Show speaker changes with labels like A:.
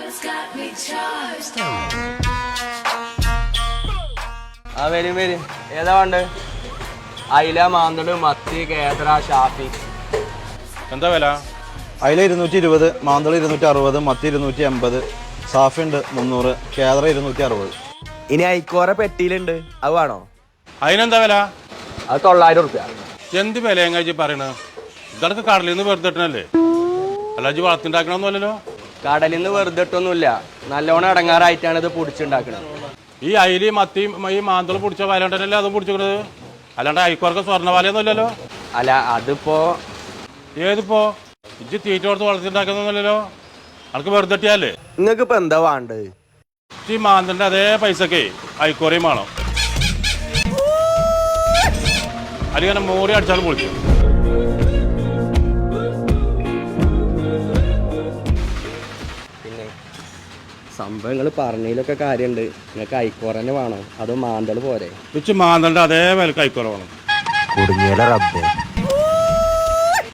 A: ആ വരും വരും. ഏതാ വേണ്ട? അയില, മാന്തള്, മത്തി, കേദ്ര, ഷാഫി.
B: എന്താ വില?
C: അയില 220, മാന്തള് 260, മത്തി 280, സാഫി ഉണ്ട് 300, കേദ്ര 260.
A: ഇനി ഐക്കോറ പെട്ടിയിലുണ്ട്, അത് വേണോ?
B: അതിനെന്താ വില?
A: അത് 900 റുപ്യ.
B: എന്ത് വില എങ്ങനെ പറയണത്? ഇതൊക്കെ കടലിൽ നിന്ന് വെറുതെ ഇട്ടണല്ലേ, അല്ലാതെ വളർത്തിണ്ടാക്കണമെന്നല്ലോ.
A: കടലിൽ നിന്ന് വെറുതെ ഇട്ടൊന്നുമില്ല, നല്ലോണം ഇടങ്ങാറായിട്ടാണ് ഇത് പൊടിച്ചുണ്ടാക്കണത്.
B: ഈ അയില് മത്തിയും ഈ മാന്തള് പിടിച്ച വല ഉണ്ടല്ലേ അതും പിടിച്ചിക്കണത്, അല്ലാണ്ട് അയക്കുവർക്ക് സ്വർണ്ണ വലയൊന്നുമില്ലല്ലോ.
A: അല്ല അതിപ്പോ
B: ഏതിപ്പോ ഇജ്ജ് തീറ്റ കൊടുത്ത് വളർത്തിണ്ടാക്കുന്നല്ലോ, അനക്ക് വെറുതെ ഇട്ടിയല്ലേ.
A: നിങ്ങൾക്ക് ഇപ്പൊ എന്താ വേണ്ടത്?
B: ഈ മാന്തളിന്റെ അതേ പൈസക്കേ അയക്കോറയും വേണം, അതിങ്ങനെ മോറി അടിച്ചാലും പൊളിക്കും.
A: പിന്നെ സംഭവങ്ങൾ പറഞ്ഞതിലൊക്കെ കാര്യമുണ്ട്. നിങ്ങൾക്ക് ഐക്കോറ തന്നെ വേണോ അതോ മാന്തള് പോരെ?
B: ഇച്ച് മാന്തളിന്റെ അതേ വിലക്ക് അയക്കോറ വേണം.
A: കുടുങ്ങിയാലോ റബ്ബേ.